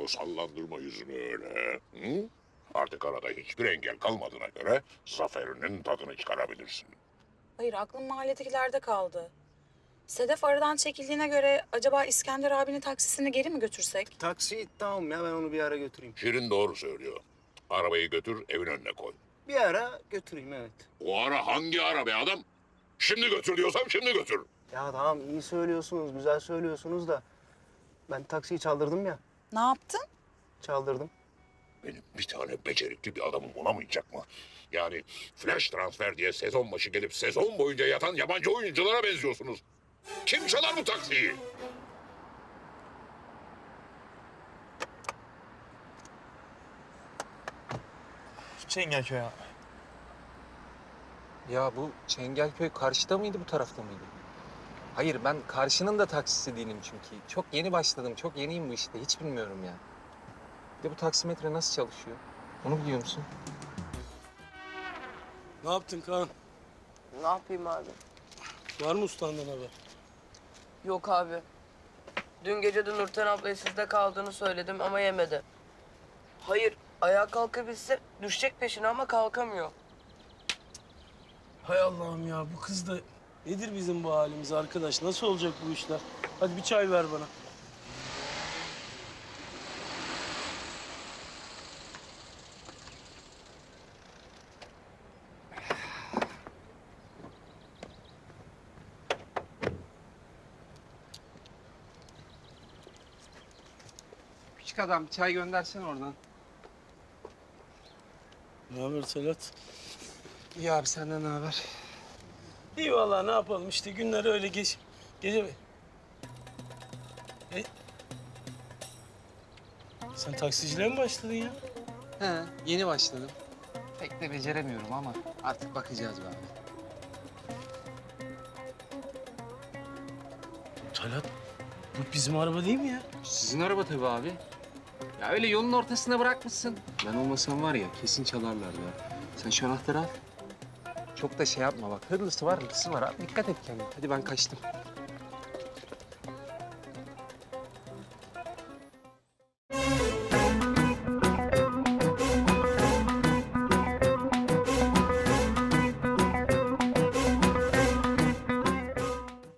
o sallandırma yüzünü öyle. Hı? Artık arada hiçbir engel kalmadığına göre zaferinin tadını çıkarabilirsin. Hayır, aklım mahalledekilerde kaldı. Sedef aradan çekildiğine göre acaba İskender abinin taksisini geri mi götürsek? Taksi tamam ya, ben onu bir ara götüreyim. Şirin doğru söylüyor. Arabayı götür, evin önüne koy. Bir ara götüreyim, evet. O ara hangi ara be adam? Şimdi götür diyorsam şimdi götür. Ya tamam, iyi söylüyorsunuz, güzel söylüyorsunuz da... Ben taksiyi çaldırdım ya, Ne yaptın? çaldırdım. Benim bir tane becerikli bir adamım olamayacak mı? Yani flash transfer diye sezon başı gelip sezon boyunca yatan yabancı oyunculara benziyorsunuz. Kim çalar bu taksiyi? Çengelköy abi. Ya bu Çengelköy karşıda mıydı, bu tarafta mıydı? Hayır, ben karşının da taksisi değilim çünkü. Çok yeni başladım, çok yeniyim bu işte. Hiç bilmiyorum ya. Bir de bu taksimetre nasıl çalışıyor? Onu biliyor musun? Ne yaptın Kaan? Ne yapayım abi? Var mı ustandan haber? Yok abi. Dün gece de Nurten ablaya sizde kaldığını söyledim ama yemedi. Hayır, ayağa kalkabilse düşecek peşine ama kalkamıyor. Hay Allah'ım ya, bu kız da nedir bizim bu halimiz arkadaş? Nasıl olacak bu işler? Hadi bir çay ver bana. Küçük adam, çay göndersen oradan. Ne haber Selat? İyi abi, senden ne haber? İyi vallahi, ne yapalım işte, günler öyle gece... E? Sen taksiciliğe mi başladın ya? He, yeni başladım. Pek de beceremiyorum ama artık bakacağız be abi. Talat, bu bizim araba değil mi ya? Sizin araba tabii abi. Ya öyle yolun ortasına bırakmışsın. Ben olmasam var ya, kesin çalarlar ya. Sen şu anahtarı al. Çok da şey yapma bak. Hırlısı var, hırlısı var. Abi, dikkat et kendine. Hadi ben kaçtım.